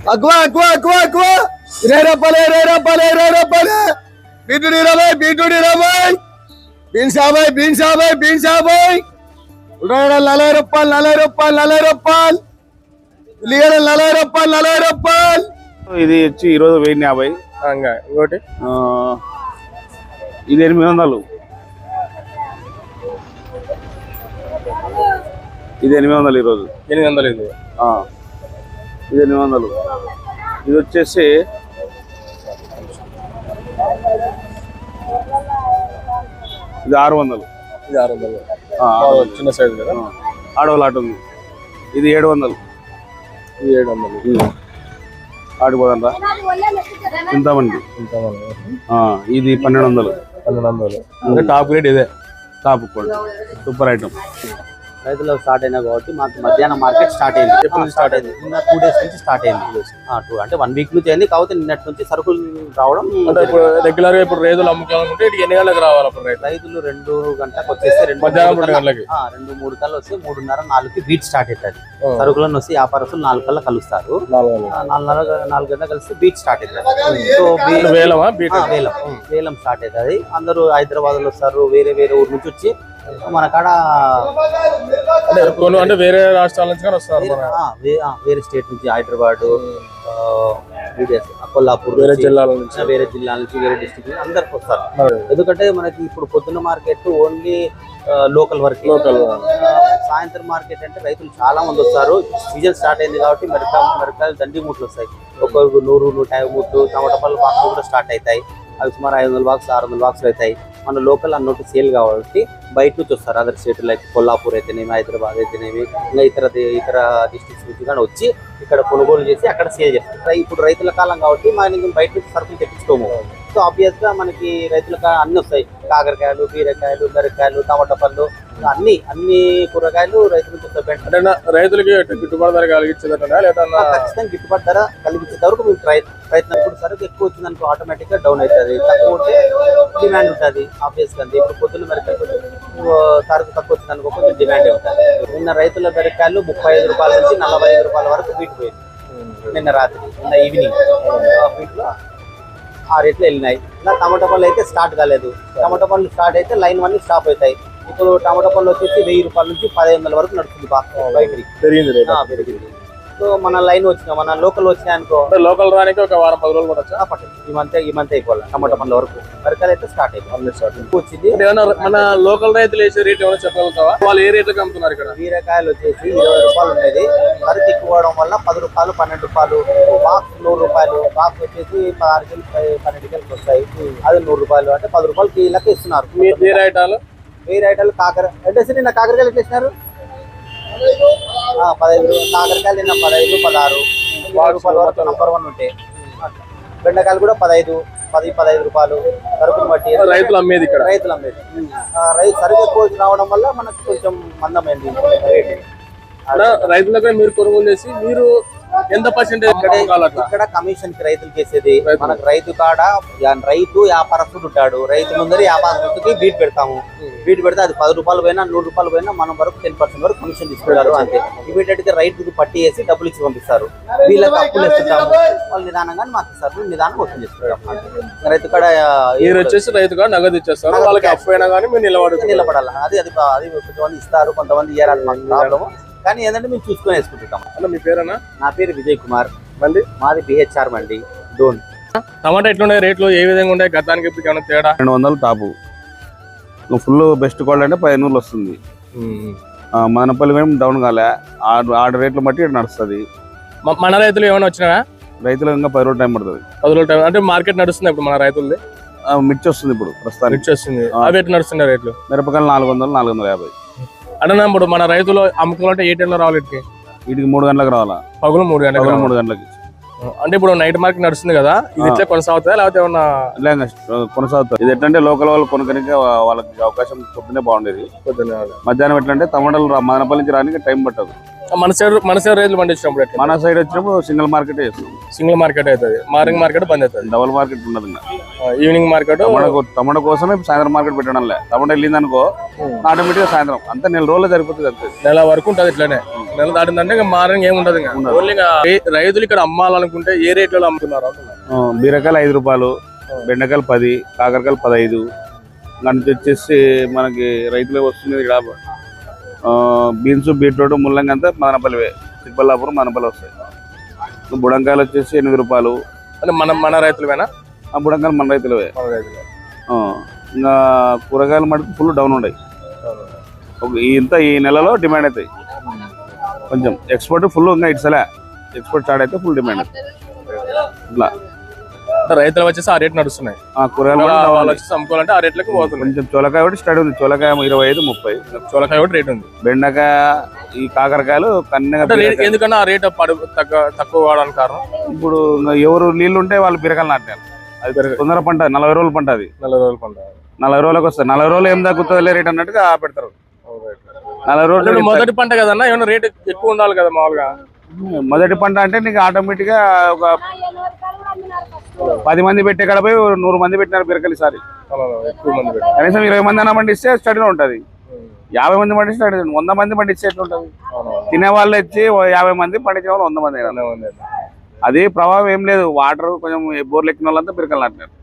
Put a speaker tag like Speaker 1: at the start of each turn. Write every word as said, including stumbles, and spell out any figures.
Speaker 1: అక్కువ అక్కువ అక్కువ అక్కువ ఇరవై రూపాయలు ఇరవై రూపాయలు ఇరవై రూపాయలు బీట్రూట్ ఇరవై బీట్రూట్ ఇరవై బీన్స్ యాభై బీన్స్ యాభై బీన్స్ యాభై ఉల్లిగడ్డలు నలభై రూపాయలు నలభై రూపాయలు నలభై రూపాయలు ఉల్లిగడ్డలు నలభై రూపాయలు నలభై రూపాయలు.
Speaker 2: ఇది వచ్చి ఈరోజు వెయ్యి యాభై.
Speaker 3: ఇంకోటి
Speaker 2: ఇది ఎనిమిది వందలు. ఇది ఎనిమిది వందలు ఈరోజు.
Speaker 3: ఎనిమిది వందలు ఇది
Speaker 2: ఇది ఎనిమిది వందలు. ఇది వచ్చేసి ఇది ఆరు వందలు.
Speaker 3: ఇది ఆరు వందలు చిన్న సైజు కదా,
Speaker 2: ఆడవాళ్ళు ఉంది. ఇది ఏడు వందలు.
Speaker 3: ఇది ఏడు వందలు
Speaker 2: ఆడిపోదంట ఇంతమంది. ఇది పన్నెండు వందలు.
Speaker 3: పన్నెండు వందలు అంటే టాప్ గ్రేడ్ ఇదే,
Speaker 2: టాప్ క్వాలిటీ సూపర్ ఐటమ్.
Speaker 4: రైతులకు స్టార్ట్ అయినా కాబట్టి మాకు మధ్యాహ్నం మార్కెట్ స్టార్ట్ అయింది. ఎప్పుడు స్టార్ట్ అయింది? నిన్న టూ డేస్ నుంచి స్టార్ట్ అయింది. టూ అంటే వన్ వీక్ నుంచి అయింది. కాకపోతే నిన్నటి నుంచి సరుకులు రావడం.
Speaker 3: ఇప్పుడు రెగ్యులర్ గా ఇప్పుడు రైతులు అమ్ముకోవాలనుకుంటే ఎన్ని గంటలకు రావాలి? అప్పుడు
Speaker 4: రైతులు రెండు గంటలకు వచ్చేస్తే రెండు
Speaker 3: మధ్యాహ్నం రెండు గంటలకి
Speaker 4: రెండు మూడు కల్లా వస్తే మూడున్నర నాలుగుకి బీట్ స్టార్ట్ అవుతుంది. సరుకులను వస్తే వ్యాపారస్తులు నాలుగు కల్లా కలుస్తారు. నాలుగున్నర నాలుగు గంటలకు కలిసి బీట్ స్టార్ట్ అవుతుంది. సో
Speaker 3: వేలం
Speaker 4: వేలం వేలం స్టార్ట్ అవుతుంది. అందరూ హైదరాబాద్ లో వస్తారు, వేరే వేరే ఊరు నుంచి వచ్చి మన కాడ
Speaker 3: అంటే వేరే రాష్ట్రాల నుంచి వస్తారు,
Speaker 4: వేరే స్టేట్ నుంచి హైదరాబాద్, కొల్లాపూర్,
Speaker 3: వేరే జిల్లాల నుంచి
Speaker 4: వేరే జిల్లాల నుంచి వేరే డిస్ట్రిక్ట్ నుంచి అందరికి వస్తారు. ఎందుకంటే మనకి ఇప్పుడు పొద్దున్న మార్కెట్ ఓన్లీ లోకల్ వరకు.
Speaker 3: లోకల్
Speaker 4: సాయంత్రం మార్కెట్ అంటే రైతులు చాలా మంది వస్తారు. సీజన్ స్టార్ట్ అయింది కాబట్టి మిరపకాయలు మిరపకాయలు దండి మూట్లు వస్తాయి. ఒక్కొక్క నూరు నూట యాభై మూట్లు. టమాటా పళ్ళు బాక్స్ కూడా స్టార్ట్ అవుతాయి. అవి సుమారు ఐదు వందల బాక్స్ ఆరు వందల బాక్స్లు అవుతాయి. మన లోకల్ అన్నట్టు సేల్ కాబట్టి బయట నుంచి వస్తారు. అదర్ స్టేట్ లైక్ కొల్లాపూర్ అయితేనేమి, హైదరాబాద్ అయితేనేమి, ఇంకా ఇతర ఇతర డిస్ట్రిక్ట్స్ నుంచి కానీ వచ్చి ఇక్కడ కొనుగోలు చేసి అక్కడ సేల్ చేస్తారు. ఇప్పుడు రైతుల కాలం కాబట్టి మనం బయట నుంచి సరుకులు తెప్పించుకోము. సో ఆబ్వియస్ గా మనకి రైతులకు అన్ని వస్తాయి. కాకరకాయలు, బీరకాయలు, మిరపకాయలు, టమాటా పళ్ళు, అన్ని అన్ని కూరగాయలు రైతుల నుంచి వస్తాయి.
Speaker 3: అంటే రైతులకి గిట్టుబాటు ధర కలిగించేదట లేదా?
Speaker 4: ఖచ్చితంగా గిట్టుబాటు ధర కలిగించేంత వరకు మేము ప్రయత్నం. ఇప్పుడు సరుకు ఎక్కువ వచ్చిందనుకో ఆటోమేటిక్ గా డౌన్ అవుతుంది. తక్కువ ఉంటే డిమాండ్ ఉంటుంది ఆబ్వియస్ గా. ఇప్పుడు పొద్దున్న మిరపకాయలు సరుకు తక్కువ వచ్చిందనుకో కొంచెం డిమాండ్ ఉంటుంది. నిన్న రైతుల మిరపకాయలు ముప్పై ఐదు రూపాయల నుంచి నలభై ఐదు రూపాయల వరకు బీట్ పోయింది. నిన్న రాత్రి నిన్న ఈవినింగ్ వీటిలో ఆ రేట్లు వెళ్ళినాయి. ఇలా టమాటా పళ్ళు అయితే స్టార్ట్ కాలేదు. టమాటా పళ్ళు స్టార్ట్ అయితే లైన్ వన్ స్టాప్ అవుతాయి. ఇప్పుడు టమాటా పళ్ళు వచ్చేసి వెయ్యి రూపాయల నుంచి పదిహేను వందల వరకు నడుస్తుంది. బయటికి
Speaker 3: పెరిగింది
Speaker 4: పెరిగింది. సో మన లైన్ వచ్చిన మన లోకల్ వచ్చినాయి అనుకో,
Speaker 3: లోకల్ రానికి ఒక వారం పది రోజులు కూడా
Speaker 4: ఈ మంత్ ఈ మంత్ అయిపోవాలి. టమాటా పళ్ళ వరకు మిరపకాయలు అయితే స్టార్ట్ అయిపోయింది. వచ్చింది.
Speaker 3: మన లోకల్ రైతులు వేసే రేట్ ఏమైనా చెప్పగలుగుతావా? వాళ్ళు ఏ రేట్లకు అమ్ముతున్నారు ఇక్కడ?
Speaker 4: బీరకాయలు వచ్చేసి ఇరవై రూపాయలు ఉండేది. సరుకు ఎక్కువ అవడం వల్ల పది రూపాయలు పన్నెండు రూపాయలు బాక్స్ నూరు రూపాయలు బాక్స్ వచ్చేసి పదహారు కేజీలు పన్నెండు కేజీలు వస్తాయి. అది నూరు రూపాయలు అంటే పది రూపాయలు కీలక ఇస్తున్నారు.
Speaker 3: వేరే ఐటాలు
Speaker 4: వేరే ఐటాలు కాకర అంటే నిన్న కాకరకాయలు ఎట్లా ఇస్తున్నారు? పదహైదు కాకరకాయలు నిన్న పదహైదు పదహారు రూపాయల వరకు నంబర్ వన్ ఉంటాయి. బెండకాయలు కూడా పదహైదు పది పదహైదు రూపాయలు సరుకును బట్టి
Speaker 3: రైతులు అమ్మేది. ఇక్కడ
Speaker 4: రైతులు అమ్మేది. రైతు సరుకు ఎక్కువ రావడం వల్ల మనకు కొంచెం మందమైంది రేటు.
Speaker 3: రైతులకు మీరు కొనుగోలు చేసి మీరు ఎంత పర్సెంటేజ్?
Speaker 4: ఇక్కడ కమిషన్ కి రైతులు చేసేది మనకు రైతు కాడ రైతు వ్యాపారస్తుడు ఉంటాడు. రైతు ముందర వ్యాపారస్తుడికి బీట్ పెడతాము. బీట్ పెడితే అది పది రూపాయలు పోయినా నూరు రూపాయలు పోయినా మనం వరకు టెన్ పర్సెంట్ వరకు కమిషన్ తీసుకుంటారు. అంతే. ఇమీడియట్ గా రైతుకి పట్టి వేసి డబ్బులు ఇచ్చి పంపిస్తారు. వీళ్ళకి అప్పులు ఇస్తుంటాము. వాళ్ళు నిదానంగా మాకు ఇస్తారు. నిదానం వసూలు చేసుకుంటాం. రైతు కాడ
Speaker 3: వచ్చేసి రైతు కాడ నగదు ఇచ్చేస్తారు. వాళ్ళకి అప్పు అయినా కానీ మీరు నిలబడి
Speaker 4: నిలబడాలి. అది అది అది కొంతమంది ఇస్తారు, కొంతమంది ఇయ్యారు. మాకు ప్రాబ్లము. కానీ ఏంటంటే మేము చూసుకొని వేసుకుంటుంటాం.
Speaker 3: అన్న మీ పేరేనా?
Speaker 4: నా పేరు విజయ్ కుమార్.
Speaker 3: మండి
Speaker 4: మాది బిహెచ్ఆర్ మండి డోన్.
Speaker 3: టమాటా ఎట్లున్నాయి రేట్లు? ఏ విధంగా ఉన్నాయి గతానికి ఇప్పుడు ఏమైనా తేడా?
Speaker 2: రెండు వందలు టాపు. ఫుల్ బెస్ట్ క్వాలిటీ అంటే పదిహేను వస్తుంది. మనపల్లి మేము డౌన్ కాలే. ఆరు ఆరు రేట్లు బట్టి నడుస్తుంది.
Speaker 3: మన రైతులు ఏమైనా వచ్చినా?
Speaker 2: రైతులు ఇంకా పది రోజులు టైం పడుతుంది.
Speaker 3: పది రోజులు టైం అంటే మార్కెట్ నడుస్తుంది ఇప్పుడు మన రైతులది.
Speaker 2: మిర్చి వస్తుంది ఇప్పుడు ప్రస్తుతానికి.
Speaker 3: మిర్చి వస్తుంది. అవి ఎట్లా నడుస్తున్నాయి రేట్లు?
Speaker 2: మిరపకాయలు నాలుగు వందలు నాలుగు వందల యాభై.
Speaker 3: అంటే ఇప్పుడు మన రైతులు అమ్ముకోవాలంటే ఏ టైంలో రావాలి? ఇటుకి
Speaker 2: వీటికి మూడు గంటలకు రావాలా?
Speaker 3: పగులు మూడు గంటలకు
Speaker 2: మూడు గంటలకి.
Speaker 3: అంటే ఇప్పుడు నైట్ మార్కెట్ నడుస్తుంది కదా, ఇది ఇట్లా కొనసాగుతుందా లేకపోతే ఏమన్నా?
Speaker 2: కొనసాగుతుంది. ఇది ఎట్లంటే లోకల్ వాళ్ళు కొనుక్కనికి వాళ్ళకి అవకాశం పొద్దునే బాగుండేది.
Speaker 3: పొద్దున్న
Speaker 2: మధ్యాహ్నం ఎట్లంటే టమాటాలు మదనపల్లి నుంచి రానికి టైం పట్టదు.
Speaker 3: మన సైడ్ మన సైడ్ రైతులు పండించినప్పుడు ఎట్లా
Speaker 2: మన సైడ్ వచ్చినప్పుడు సింగిల్ మార్కెట్ చేస్తాం.
Speaker 3: సింగిల్ మార్కెట్ అవుతుంది, మార్నింగ్ మార్కెట్ బంద్ అవుతుంది,
Speaker 2: డబుల్ మార్కెట్ ఉండదు ఇంకా.
Speaker 3: Evening market.
Speaker 2: టమాటా టమాటా కోసమే సాయంత్రం మార్కెట్ పెట్టడం లే. టమాటా వెళ్ళింది అనుకో ఆటోమేటిక్ గా సాయంత్రం అంతా నెల రోజులు సరిపోతుంది అంతే.
Speaker 3: నెల వరకు ఉంటుంది ఇట్లానే. నెల దాటిందంటే ఇంకా మార్నింగ్ ఏమి ఉండదు. ఇంకా ఓన్లీ ఇంకా రైతులు ఇక్కడ అమ్మాలనుకుంటే ఏ రేట్లలో అమ్ముతున్నారు అంటున్నారు.
Speaker 2: బీరకాయలు ఐదు రూపాయలు, బెండకాయలు పది, కాకరకాయలు పదహైదు. దానికి వచ్చేసి మనకి రైతులకు వస్తుంది ఇక్కడ బీన్స్, బీట్రూట్, ముల్లంగి అంతా మదనపల్లివే. చిక్కబల్లాపురం, మదనపల్లి వస్తాయి. బుడంకాయలు వచ్చేసి ఎనిమిది రూపాయలు.
Speaker 3: అంటే మన మన రైతులవేనా?
Speaker 2: ఆ బుడంకాయలు మన రైతులవే.
Speaker 3: మన రైతులే.
Speaker 2: ఇంకా కూరగాయలు మటుకు ఫుల్ డౌన్ ఉన్నాయి. ఇంత ఈ నెలలో డిమాండ్ అవుతాయి కొంచెం. ఎక్స్పోర్ట్ ఫుల్ ఇంకా ఇట్సలే. ఎక్స్పోర్ట్ స్టార్ట్ అయితే ఫుల్ డిమాండ్ అవుతుంది ఇట్లా.
Speaker 3: రైతులు వచ్చేసి ఆ రేట్ నడుస్తున్నాయి.
Speaker 2: కూరగాయలు
Speaker 3: వాళ్ళు వచ్చేసి అమ్ముకోవాలంటే ఆ రేట్లకు పోతుంది.
Speaker 2: కొంచెం చోలకాయ ఒకటి స్టార్ట్ ఉంది. చోలకాయ ఇరవై ఐదు ముప్పై.
Speaker 3: చోలకాయ ఒకటి రేట్ ఉంది.
Speaker 2: బెండకాయ, ఈ కాకరకాయలు కన్నెగా.
Speaker 3: ఎందుకన్నా ఆ రేట్ తక్కువ తక్కువ కావడానికి కారణం
Speaker 2: ఇప్పుడు ఎవరు నీళ్లు ఉంటే వాళ్ళు బీరకాయలు నాటారు. అది తొందర పంట, నలభై రోజులు పంట. అది
Speaker 3: నలభై రోజులు పంట.
Speaker 2: నలభై రోజులకు వస్తుంది. నలభై రోజులు ఏం తగ్గుతుంది రేట్ అన్నట్టుగా పెడతారు. నలభై రోజులు
Speaker 3: మొదటి పంట కదన్నా, ఏమన్నా రేట్ ఎక్కువ ఉండాలి కదా మామూలుగా.
Speaker 2: మొదటి పంట అంటే నీకు ఆటోమేటిక్ గా ఒక పది మంది పెట్టే కాడ పోయి నూరు మంది పెట్టినారు బీరకాయలు ఈసారి.
Speaker 3: ఎక్కువ మంది
Speaker 2: కనీసం ఇరవై మంది అన్న పండిస్తే స్టడీలో ఉంటది. యాభై మంది పండిస్తే వంద మంది పండిస్తే ఎట్లుంటది? తినే వాళ్ళు వచ్చి యాభై మంది పండించిన వాళ్ళు వంద మంది. అది ప్రభావం ఏం లేదు. వాటర్ కొంచెం బోర్లు ఎక్కిన వాళ్ళంతా బీరకాయలు నాటినారు.